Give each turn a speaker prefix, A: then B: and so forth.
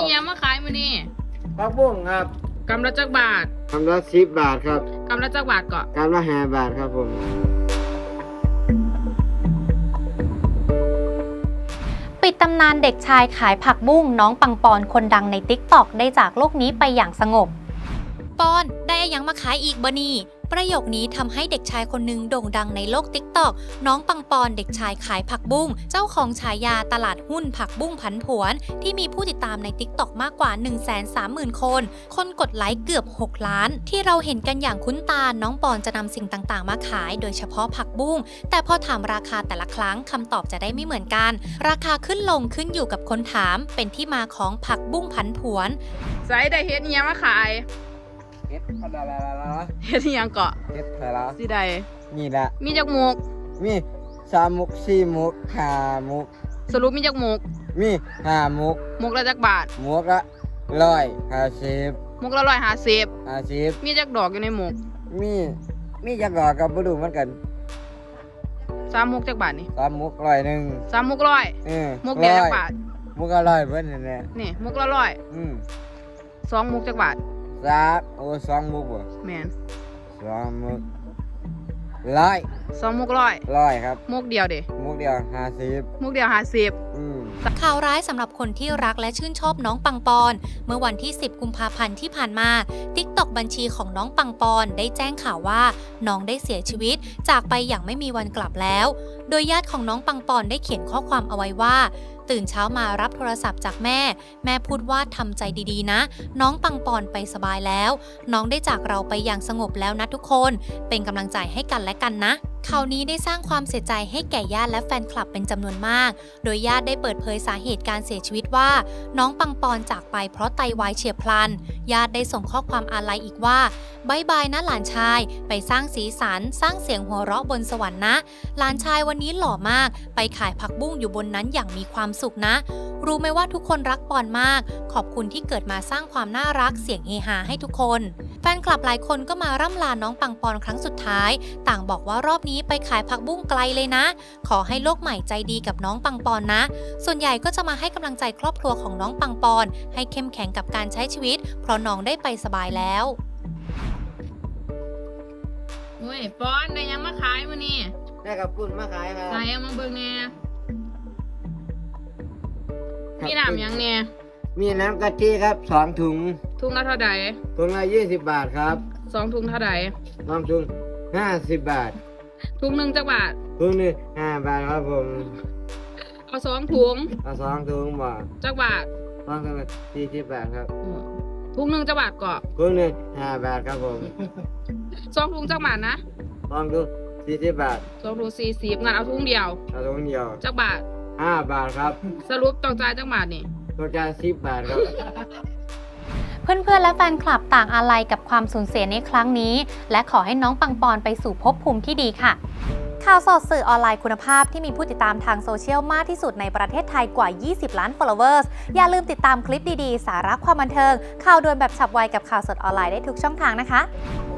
A: ยังมาขายมื้อนี้
B: ผักบุ้งครับ
A: กำละจักบาท
B: กำละ10 บาทครับ
A: กำละจักบาทก็
B: กำละ5 บาทครับผม
C: ปิดตำนานเด็กชายขายผักบุ้งน้องปังปอนคนดังใน TikTok ได้จากโลกนี้ไปอย่างสงบปอนได้ยังมาขายอีกบ่นี่ประโยคนี้ทำให้เด็กชายคนหนึ่งโด่งดังในโลก TikTok น้องปังปอนเด็กชายขายผักบุ้งเจ้าของฉายาตลาดหุ้นผักบุ้งผันผวนที่มีผู้ติดตามใน TikTok มากกว่า 130,000 คนกดไลค์เกือบ6 ล้านที่เราเห็นกันอย่างคุ้นตาน้องปอนจะนำสิ่งต่างๆมาขายโดยเฉพาะผักบุ้งแต่พอถามราคาแต่ละครั้งคำตอบจะได้ไม่เหมือนกันราคาขึ้นลงขึ้นอยู่กับคนถามเป็นที่มาของผักบุ้งผันผวน
A: ใส่ได้เฮ็ดยังมาขาย
B: เฮ็ดอะไร
A: เฮ็ดยังเกาะ
B: เฮ็ดอะไร
A: สิได้
B: นี่ละ
A: มีจักมุก
B: มี3 มุก4 มุก5 มุก
A: สรุปมีจักมุก
B: มี5 มุก
A: มุกละจักบาท
B: มุกละ150
A: มุกละ150มีจักดอกอยู่ในมุก
B: มีจักดอกกับบ่รู้เหมือนกัน
A: 3 มุกจักบาทนี่
B: 3 มุก100
A: 3 มุก100มุกเดียวจักบาท
B: มุกละ100เพิ่นนี่แหละ
A: นี่มุกละ100 2 มุกจักบาท
B: 2 มุกบ่
A: แม่น
B: 2 มุก100
A: 2 มุก
B: 100ครับ
A: มุกเดียวเด้
B: มุกเดียว50
A: มุกเดียว50
C: ข่าวร้ายสำหรับคนที่รักและชื่นชอบน้องปังปอนเมื่อวันที่10 กุมภาพันธ์ที่ผ่านมา TikTok บัญชีของน้องปังปอนได้แจ้งข่าวว่าน้องได้เสียชีวิตจากไปอย่างไม่มีวันกลับแล้วโดยญาติของน้องปังปอนได้เขียนข้อความเอาไว้ว่าตื่นเช้ามารับโทรศัพท์จากแม่พูดว่าทำใจดีๆนะน้องปังปอนไปสบายแล้วน้องได้จากเราไปอย่างสงบแล้วนะทุกคนเป็นกำลังใจให้กันและกันนะข่าวนี้ได้สร้างความเสียใจให้แก่ญาติและแฟนคลับเป็นจำนวนมากโดยญาติได้เปิดเผยสาเหตุการเสียชีวิตว่าน้องปังปอนจากไปเพราะไตวายเฉียบพลันญาติได้ส่งข้อความอาลัยอีกว่าบ๊ายบายนะหลานชายไปสร้างสีสันสร้างเสียงหัวเราะบนสวรรค์นะหลานชายวันนี้หล่อมากไปขายผักบุ้งอยู่บนนั้นอย่างมีความสุขนะรู้ไหมว่าทุกคนรักปอนมากขอบคุณที่เกิดมาสร้างความน่ารักเสียงเฮฮาให้ทุกคนแฟนคลับหลายคนก็มาร่ำลาน้องปังปอนครั้งสุดท้ายต่างบอกว่ารอบนี้ไปขายผักบุ้งไกลเลยนะขอให้โลกใหม่ใจดีกับน้องปังปอนนะส่วนใหญ่ก็จะมาให้กำลังใจครอบครัวของน้องปังปอนให้เข้มแข็งกับการใช้ชีวิตเพราะน้องได้ไปสบายแล้ว
A: เฮ้ยปอนได้ยังมาขายมื้อนี้
B: ได้กับปุ้นมาขายครับ
A: ใส่เอามาเบิ่งแน่มีน้ำยังแน่
B: มีน้ำกะทิครับ2 ถุง
A: ถุงละเท่าใด
B: ถุงละ20 บาทครับ
A: 2 ถุงเท่าใด
B: 2 ถุง50 บาท
A: ถุงนึงจักบาท
B: ถุงนึง5 บาทครับผม
A: เอา2 ถุง
B: เอา2 ถุงบ่
A: จักบาท
B: 2 ถุง40 บาทครับ
A: ถุงนึงจักบาทก็
B: ถุงนึง5 บาทครับผม
A: 2 ถุงจักบาทนะ
B: 2 ถุง40 บาท
A: 2 ถุง40งั้นเอาถุงเดียวจักบาท
B: 5 บาทครับ
A: สรุปต้องจ่ายจักบาทนี่
B: ต้องจ่าย10 บาทครับ
C: เพื่อนๆและแฟนคลับต่างอาลัยกับความสูญเสียในครั้งนี้และขอให้น้องปังปอนไปสู่ภพภูมิที่ดีค่ะข่าวสดสื่อออนไลน์คุณภาพที่มีผู้ติดตามทางโซเชียลมากที่สุดในประเทศไทยกว่า20 ล้าน followers อย่าลืมติดตามคลิปดีๆสาระความบันเทิงข่าวด่วนแบบฉับไวกับข่าวสดออนไลน์ได้ทุกช่องทางนะคะ